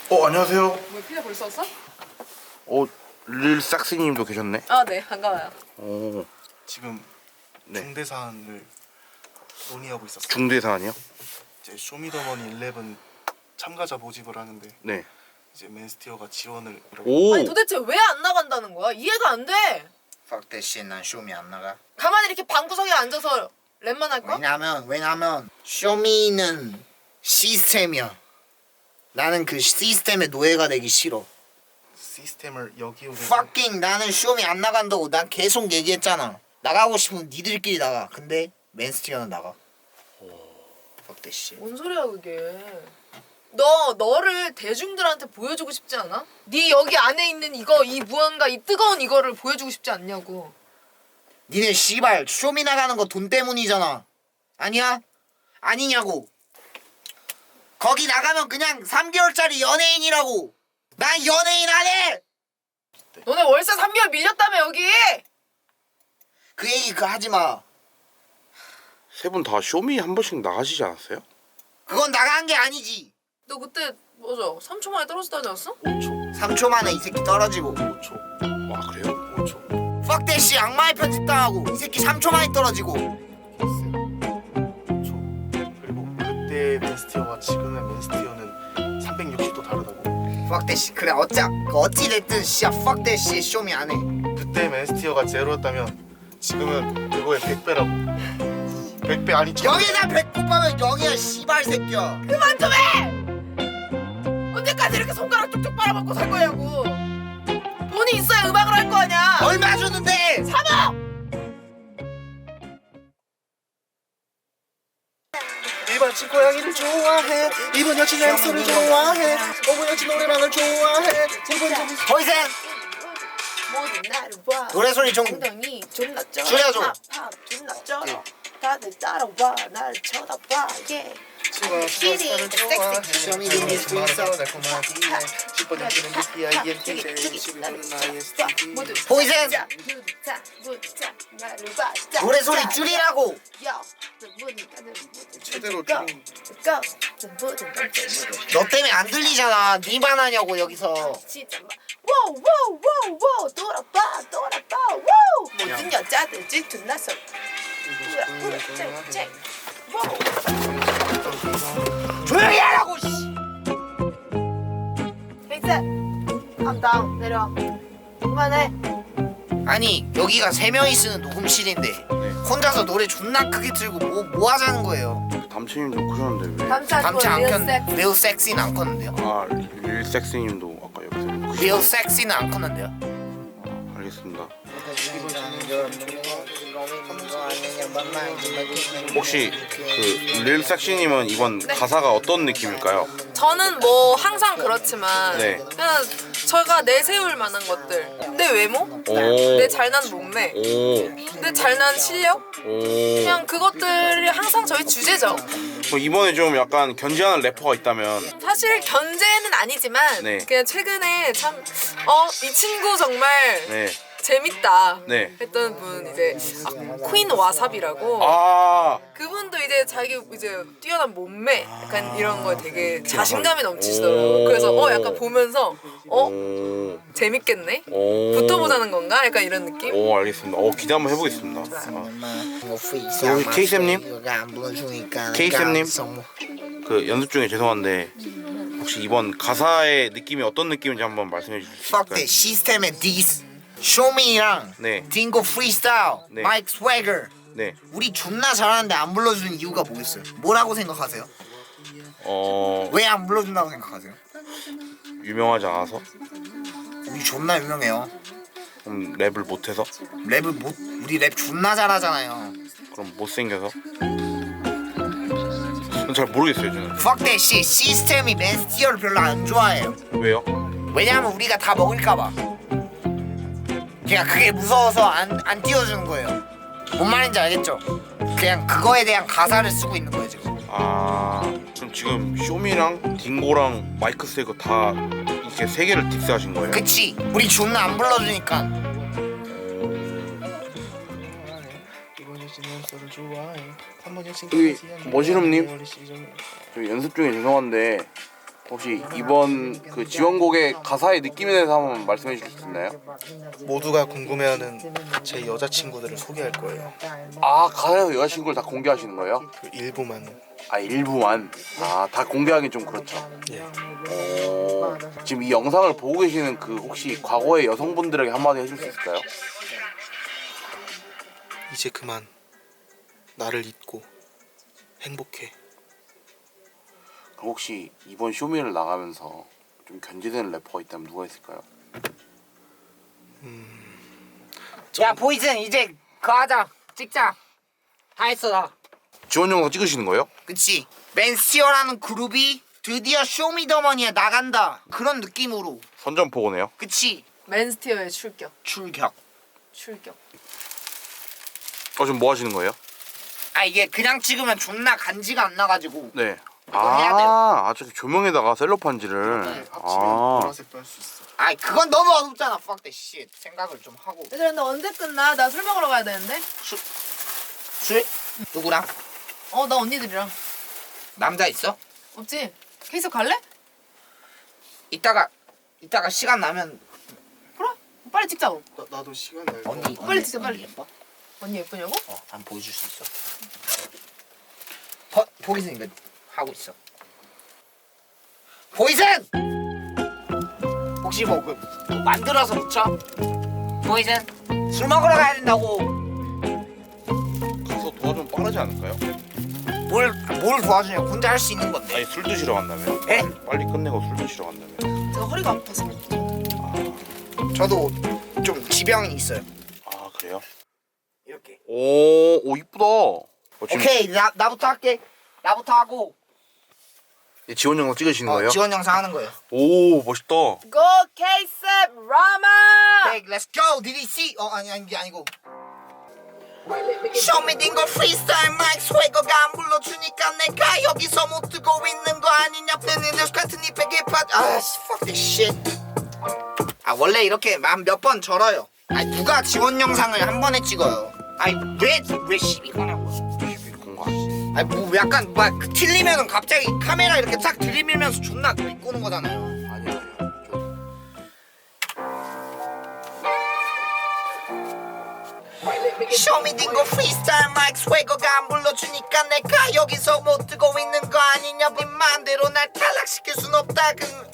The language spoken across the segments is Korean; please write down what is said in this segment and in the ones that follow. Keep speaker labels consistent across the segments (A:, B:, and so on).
A: 안녕하세요.
B: 뭐 피자 벌써 왔어?
A: 릴 삭스님도 계셨네.
B: 아, 네, 반가워요.
A: 오,
C: 지금
A: 네.
C: 중대 사안을 논의하고 있었어요.
A: 중대 사안이요?
C: 이제 쇼미더머니 11 참가자 모집을 하는데
A: 네.
C: 이제 맨스티어가 지원을
A: 오,
B: 아니 도대체 왜 안 나간다는 거야? 이해가 안 돼.
D: Fuck that shit. 난 쇼미 안 나가.
B: 가만히 이렇게 방구석에 앉아서 랩만 할 거야?
D: 왜냐면 쇼미는 시스템이야. 나는 그 시스템의 노예가 되기 싫어.
C: 시스템을 여기오는
D: Fucking 나는 쇼미 안 나간다고 난 계속 얘기했잖아. 나가고 싶으면 니들끼리 나가. 근데 맨스티어는 나가. Fuck that shit.
B: 뭔 소리야 그게? 너를 대중들한테 보여주고 싶지 않아? 네 여기 안에 있는 이거 이 무언가 이 뜨거운 이거를 보여주고 싶지 않냐고.
D: 니네 씨발 쇼미 나가는 거 돈 때문이잖아. 아니야? 아니냐고. 거기 나가면 그냥 3개월짜리 연예인이라고. 난 연예인 안 해.
B: 너네 월세 3개월 밀렸다며 여기.
D: 그 얘기 하지 마.
A: 세 분 다 쇼미 한 번씩 나가시지 않았어요?
D: 그건 나간 게 아니지.
B: 너 그때 뭐죠? 3초 만에 떨어지다지 않았어?
C: 5초,
D: 3초 만에 이 새끼 떨어지고.
C: 5초,
A: 와, 그래요?
C: 5초.
D: Fuck that shit. 악마의 편집 당하고. 이 새끼 3초 만에 떨어지고.
C: 5초. 그리고 그때 맨스티어와 지금의 맨스티어는 360도 다르다고.
D: Fuck that shit. 그래 어찌 됐든 씨야 fuck that shit. 쇼미 안 해.
C: 그때 맨스티어가 제로였다면 지금은 그거의 100배라고. 100배 아니
D: 여기다 배꼽 하면 0이야 씨발 새끼야.
B: 그만 좀 해! 언제까지 이렇게 손가락 쭉쭉 빨아먹고 살 거냐고. 돈이 있어야 음악을 할 거 아니야.
D: 얼마 주는데?
B: 3억!
C: 일반 집 고양이를 좋아해. 이번 여친 햄스터를 좋아해. 어머 여친 노래방을 좋아해.
D: 더 이상
B: 모든 나를 봐.
D: 노래 소리 좀
B: 엉덩이 존나 쩔어.
D: 줄여줘.
B: 팝 존나 쩔어. 다들 따라와 나를 쳐다봐. 예.
D: 보이센 노래 소리 줄이라고.
C: 제대로 좀
D: 너 때문에 안 들리잖아. 니만 하냐고 여기서.
B: 워워워워 돌아봐 워 모든 여자들 질투나서
D: 조용히 하라고. 씨.
B: 엑셀 컴다운 내려 그만해.
D: 아니 여기가 3명이 쓰는 녹음실인데 혼자서 노래 존나 크게 틀고 뭐 하자는 거예요.
A: 담채님도 그러는데 왜?
D: 담채 안 켰는데 리얼 섹시는 안 컸는데요.
A: 릴 삭스님도 아까 옆에서
D: 리얼 섹시는 안 컸는데요.
A: 알겠습니다. 혹시 릴 삭스님은 이번 가사가 어떤 느낌일까요?
B: 저는 뭐 항상 그렇지만
A: 네.
B: 그냥 제가 내세울 만한 것들 내 외모,
A: 오,
B: 내 잘난 몸매,
A: 오,
B: 내 잘난 실력
A: 오.
B: 그냥 그것들이 항상 저희 주제죠.
A: 이번에 좀 약간 견제하는 래퍼가 있다면
B: 사실 견제는 아니지만
A: 네.
B: 그냥 최근에 참 이 친구 정말
A: 네.
B: 재밌다
A: 네.
B: 했던 분 이제 퀸 와삽이라고
A: 아,
B: 그분도 이제 자기 이제 뛰어난 몸매 약간 이런 거에 되게 자신감이
A: 오.
B: 넘치시더라고요. 그래서 약간 보면서
A: 오,
B: 재밌겠네?
A: 오.
B: 붙어보자는 건가? 약간 이런 느낌?
A: 오, 알겠습니다. 기대 한번 해보겠습니다.
D: 여기
A: 케이쌤님? 케이쌤님? 그 연습 중에 죄송한데 혹시 이번 가사의 느낌이 어떤 느낌인지 한번 말씀해 주실 수
D: Fuck
A: 있을까요?
D: that 시스템의 디스 쇼미랑
A: 네.
D: 딩고 프리스타일
A: 네.
D: 마이크 스웨거
A: 네.
D: 우리 존나 잘하는데 안 불러주는 이유가 뭐겠어요? 뭐라고 생각하세요? 왜 안 불러준다고 생각하세요?
A: 유명하지 않아서?
D: 우리 존나 유명해요.
A: 그럼 랩을 못해서?
D: 랩을 못 우리 랩 존나 잘하잖아요.
A: 그럼 못생겨서? 전 잘 모르겠어요 저는.
D: Fuck that shit 시스템이 맨스티어를 별로 안 좋아해요.
A: 왜요?
D: 왜냐하면 우리가 다 먹을까봐. 그냥 그게 무서워서 안 띄워주는 거예요. 뭔 말인지 알겠죠? 그냥 그거에 대한 가사를 쓰고 있는 거예요 지금.
A: 아, 그럼 지금 쇼미랑 딩고랑 마이크 세거 다 이렇게 세 개를 딕스하신 거예요?
D: 그치? 우리 존나 안 불러주니까.
A: 여기 머시룸님, 저 연습 중에 죄송한데 혹시 이번 그 지원곡의 가사의 느낌에 대해서 한번 말씀해 주실 수 있나요?
C: 모두가 궁금해하는 제 여자친구들을 소개할 거예요.
A: 아, 가사에서 여자친구를 다 공개하시는 거예요?
C: 그 일부만.
A: 아, 일부만. 아, 다 공개하긴 좀 그렇죠.
C: 예.
A: 지금 이 영상을 보고 계시는 그 혹시 과거의 여성분들에게 한마디 해줄 수 있을까요?
C: 이제 그만 나를 잊고 행복해.
A: 그럼 혹시 이번 쇼미를 나가면서 좀 견제되는 래퍼가 있다면 누가 있을까요?
D: 야 보이즌 이제 그거 하자. 찍자. 다 했어 나.
A: 지원 영상 찍으시는 거예요?
D: 그치. 맨스티어라는 그룹이 드디어 쇼미더머니에 나간다. 그런 느낌으로.
A: 선전포고네요.
D: 그치.
B: 맨스티어의 출격.
D: 출격.
B: 출격.
A: 지금 뭐 하시는 거예요?
D: 아 이게 그냥 찍으면 존나 간지가 안 나가지고.
A: 네.
D: 이거 해야 돼요.
A: 저기 조명에다가 셀로판지를.
C: 합치면 보라색도 할 수 있어.
D: 아이 그건 너무 어둡잖아. fuck that shit. 생각을 좀 하고.
B: 얘들아 근데 언제 끝나? 나 술 먹으러 가야 되는데.
D: 술? 누구랑?
B: 나 언니들이랑.
D: 남자 있어?
B: 없지? 케이스 갈래?
D: 이따가 시간 나면
B: 그래. 빨리 찍자고.
C: 나도 시간 날.
D: 언니
B: 빨리 찍자, 빨리.
D: 예뻐?
B: 언니 예쁘냐고?
D: 한번 보여줄 수 있어. 보이슨 이거 하고 있어. 보이슨! 혹시 뭐 만들어서 붙여? 보이슨 술 먹으러 가야 된다고.
A: 가서 도와주면 빠르지 않을까요?
D: 뭘 도와주냐? 혼자 할 수 있는 건데.
A: 아니 술 드시러 간다면.
D: 에?
A: 빨리 끝내고 술 드시러 간다면.
B: 제가 허리가 아파서.
D: 저도 좀 지병이 있어요.
A: 아, 그래요?
D: 이렇게.
A: 오 이쁘다. 지금
D: 오케이 나부터 할게. 나부터 하고
A: 지원 영상 찍으시는 거예요?
D: 지원 영상 하는 거예요.
A: 오 멋있다.
B: 고 케이스 라마.
D: 오케이, let's go. Did he see? 아니고. 쇼미딩거 프리스타일 마이크 스웨거가 안 불러주니까 내가 여기서 못 뜨고 있는 거 아니냐. 팬인들 같은 이 베개 fuck this shit. 원래 이렇게 몇 번 절어요. 누가 지원 영상을 한 번에 찍어요. 왜 시비 거냐고.
A: 공과.
D: 뭐 약간 틀리면은 갑자기 카메라 이렇게 쫙 들이밀면서 존나 비꼬는 거잖아요.
A: 아니요.
D: 쇼미딩거 프리스타일 마이크 스웨거가 안 불러주니까 내가 여기서 못 뜨고 있는 거 아니냐. 네 맘대로 날 탈락시킬 순 없다.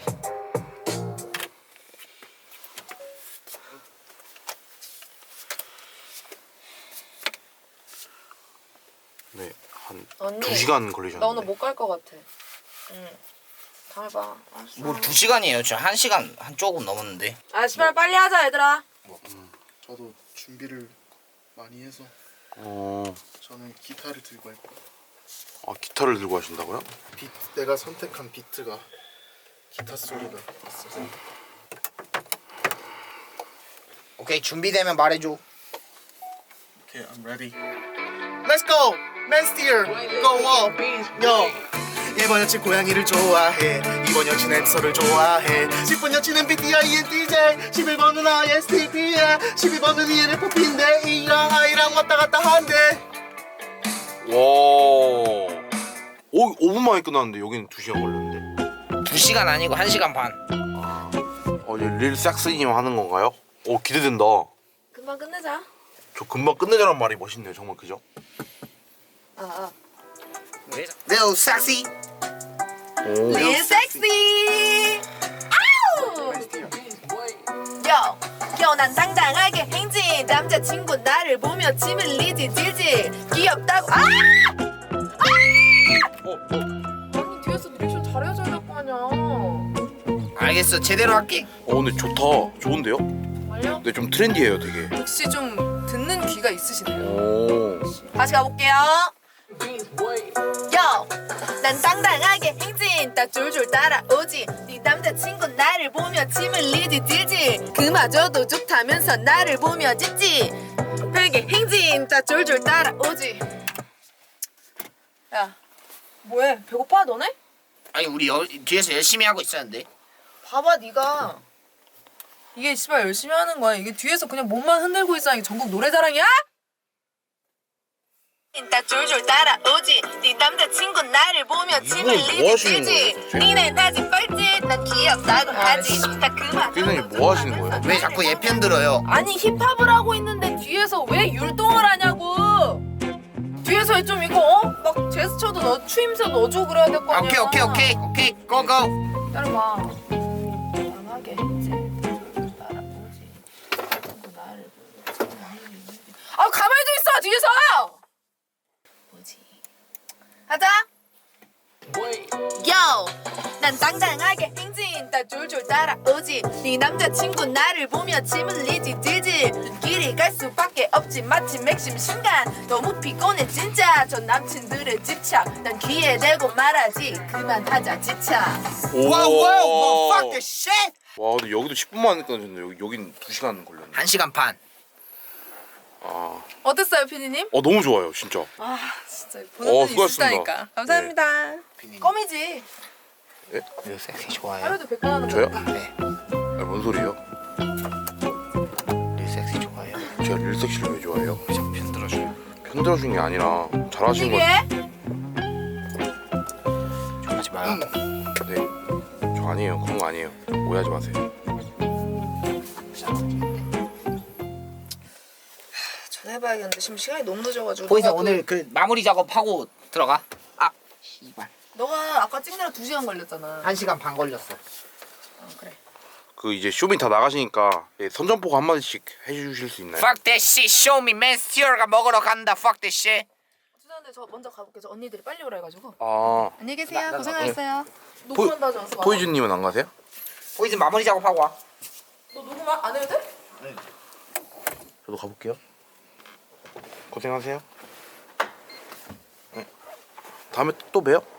A: 네, 한
B: 언니,
A: 2시간 걸리셨는데.
B: 나 오늘 못 갈 것 같아. 응. 다음에 봐. 알았어.
D: 뭐 2시간이에요. 저 1시간 한 조금 넘었는데.
B: 씨발 빨리 하자 얘들아.
C: 저도 준비를 많이 해서
A: 어,
C: 저는 기타를 들고 할 거예요.
A: 기타를 들고 하신다고요?
C: 내가 선택한 비트가 기타 소리가 있어서.
D: 오케이 준비되면 말해줘.
C: Okay, I'm ready. Let's go! 맨스티어! Go up! Yo! 1번 여친 고양이를 좋아해. 2번 여친 앱서를 좋아해. 10번 여친은 BTI ENTJ. 11번은 ISTP야. 12번은 ENFP인데 E랑 I랑 왔다 갔다 한대.
A: 와. 5분 만에 끝났는데 여기는 2시간 걸렸는데.
D: 2시간 아니고 1시간 반.
A: 이제 릴 삭스님 하는 건가요? 기대된다.
B: 금방 끝내자.
A: 저 금방 끝내자란 말이 멋있네요. 정말 그죠?
D: Little sexy.
B: Real sexy. 아우. 난 당당하게 행진. 남자친구 나를 보며 침을 흘리지 질질. 귀엽다고. 아니 뒤에서 리액션 잘해줘야 될 거 아니야.
D: 알겠어 제대로 할게.
A: 근데 좋다. 좋은데요?
B: 말려?
A: 네, 좀 트렌디해요, 되게.
B: 역시 좀 듣는 귀가 있으시네요.
A: 오.
B: 다시 가볼게요. 난 당당하게 행진. 딱 줄줄 따라오지. 네 남자친구 나를 보며 침을 흘리지 질질. 그마저도 좋다면서 나를 보며 짖지. 별게 행진. 딱 줄줄 따라오지. 야 뭐해? 배고파 너네?
D: 아니 우리 뒤에서 열심히 하고 있었는데.
B: 봐봐 네가. 이게 씨발 열심히 하는 거야. 이게 뒤에서 그냥 몸만 흔들고 있어. 이게 전국 노래자랑이야? 딱 줄줄 따라오지 네 남자친구 나를 보며 침을
A: 뭐 하시는
B: 리지
A: 거예요, 도대체?
B: 니네 다시 뻘짓 난 귀엽다고 하지 다 그만
A: 피디님 뭐 하시는 거예요?
D: 왜 자꾸 얘 편 들어요?
B: 아니 힙합을 하고 있는데 뒤에서 왜 율동을 하냐고 뒤에서 좀 이거 막 제스처도 넣어 추임새 넣어주고 그래야 될 거 아니야
D: 오케이 고고.
B: 따라봐 강하게 했지 따라오지 나를 아 가만히 좀 있어 뒤에서 뭐지 하자 요! 난 당당하게 행진 딱 줄줄 따라오지 네 남자친구 나를 보며 침을 리지 들지 눈길이 갈 수밖에 없지 마치 맥심 순간 너무 피곤해 진짜 저 남친들의 집착 난 귀에 대고 말하지 그만하자 지쳐
D: 와우 fuck this shit.
A: 와 근데 여기도 10분만 끊어졌는데 여긴 2시간 걸렸네.
D: 1시간 반.
A: 아,
B: 어땠어요 피디님?
A: 너무 좋아요 진짜.
B: 아 진짜 보는 눈이
A: 수고하셨습니다.
B: 있으니까 감사합니다 껌이지
A: 예?
D: 이거 섹시 좋아요.
B: 하루도 100번 하는
A: 저요?
B: 거
D: 네.
A: 아, 뭔 소리예요?
D: 이 섹시 좋아해요.
A: 제가 릴섹시를 왜 좋아해요?
D: 좀 편들어줘요.
A: 편들어준 게 아니라 잘하시는 거.
B: 이게
D: 좋아하지 마요.
A: 네. 저 아니에요. 그런 거 아니에요. 오해하지 마세요.
B: 전화해봐야겠는데 지금 시간이 너무 늦어가지고
D: 보이세요?
B: 너가
D: 오늘 그 마무리 작업하고 들어가. 아 씨발.
B: 너가 아까 찍느라 2시간 걸렸잖아
D: 1시간 반 걸렸어.
B: 그래
A: 그 이제 쇼미 다 나가시니까 예, 선전포고 한 마디씩 해주실 수 있나요?
D: Fuck that shit. Show me man. 스티어가 먹으러 간다. Fuck that shit.
B: 죄송한데 저 먼저 가볼게요 저 언니들이 빨리 오라 해가지고
A: 아
B: 안녕히 계세요
D: 나
B: 고생하셨어요 녹음한다 하지 않았어?
A: 포이즈님은 안 가세요?
D: 보이즈 마무리 작업하고 와.
B: 너 녹음 안 해도 돼?
A: 저도 가볼게요. 고생하세요. 네. 다음에 또 봬요.